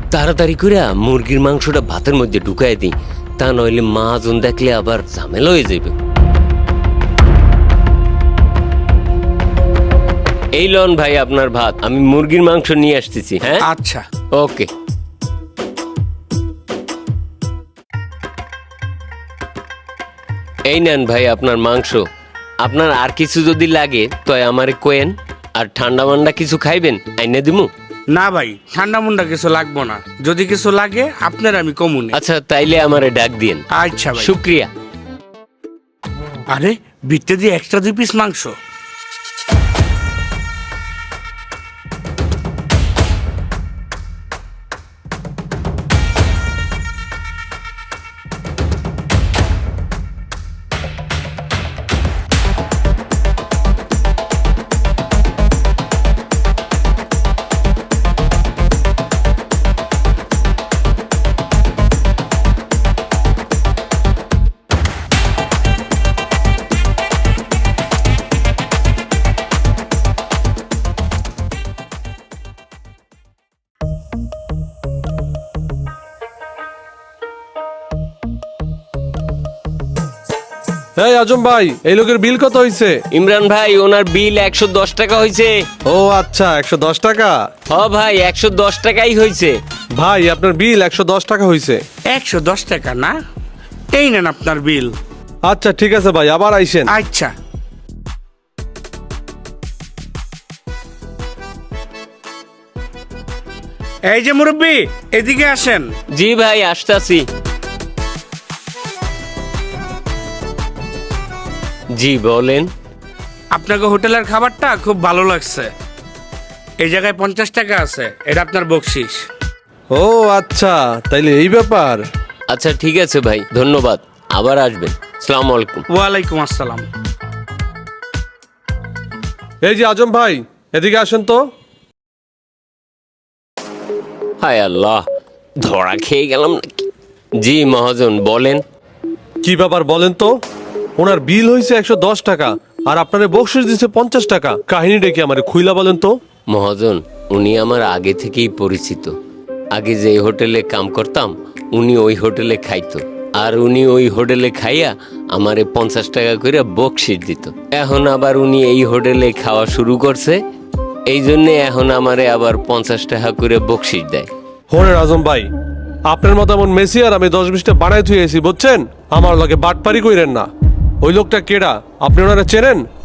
তাড়াতাড়ি করে মুরগির মাংসটা ভাতের মধ্যে ঢুকাই দিই, তা নইলে মহাজন দেখলে আবার ঝামেলা হয়ে যাবে। এই লন ভাই আপনার ভাত, আমি মুরগির মাংস নিয়ে আসতেছি। হ্যাঁ আচ্ছা। ওকে। এই নেন ভাই আপনার মাংস। আপনার আর কিছু যদি লাগে তো আমারে কোয়েন। আর ঠান্ডা মান্ডা কিছু খাইবেন আইনে দিমু? না ভাই, ঠান্ডা মুন্ডা কিছু লাগবো না, যদি কিছু লাগে আপনার আমি কমুনি। আচ্ছা তাইলে আমারে ডাক দিয়েন। আচ্ছা ভাই। শুক্রিয়া। আরে বিটতে দিয়ে এক্সট্রা 2 পিস মাংস। এই আজম ভাই, এই লোকের বিল কত হইছে? ইমরান ভাই ওনার বিল 110 টাকা হয়েছে। ও আচ্ছা, 110 টাকা। হ ভাই 110 টাকাই হয়েছে। ভাই আপনার বিল 110 টাকা হইছে। 110 টাকা না? এই নেন আপনার বিল। আচ্ছা ঠিক আছে ভাই, আবার আইসেন। আচ্ছা। এই যে মুরব্বি, এদিকে আসেন। জি ভাই আসতাছি। জি বলেন। আপনাকে হোটেলের খাবারটা খুব ভালো লাগছে। এই জায়গায় 50 টাকা আছে, এটা আপনার বকশিস। ও আচ্ছা, তাইলে এই ব্যাপার। আচ্ছা ঠিক আছে ভাই, ধন্যবাদ, আবার আসবেন। আসসালামু আলাইকুম। ওয়ালাইকুম আসসালাম। এই যে আজম ভাই, এদিকে আসেন তো। হায় আল্লাহ, ধরা খেয়ে গেলাম নাকি? জি মহাজন বলেন। কি ব্যাপার বলেন তো? ওনার বিল হইছে 110 টাকা আর আপনারে বকশিস দিছে 50 টাকা। কাহিনীটা কি আমারে খুইলা বলেন তো। মহাজন উনি আমার আগে থেকেই পরিচিত। আগে যে হোটেলে কাম করতাম উনি ওই হোটেলে খাইতো, আর উনি ওই হোটেলে খাইয়া আমারে 50 টাকা করে বকশিস দিত। এখন আবার উনি এই হোটেলে খাওয়া শুরু করছে, এই জন্যে এখন আমারে আবার 50 টাকা করে বকশিস দেয়। হোনের আজম ভাই, আপনার মতো এমন মেসি আর আমি 10-20টা বানাই থুয়েছি বুঝছেন। আমার লগে বাটপারি কইরেন না। ওই লোকটা কেডা, আপনি ওনারা চেনেন?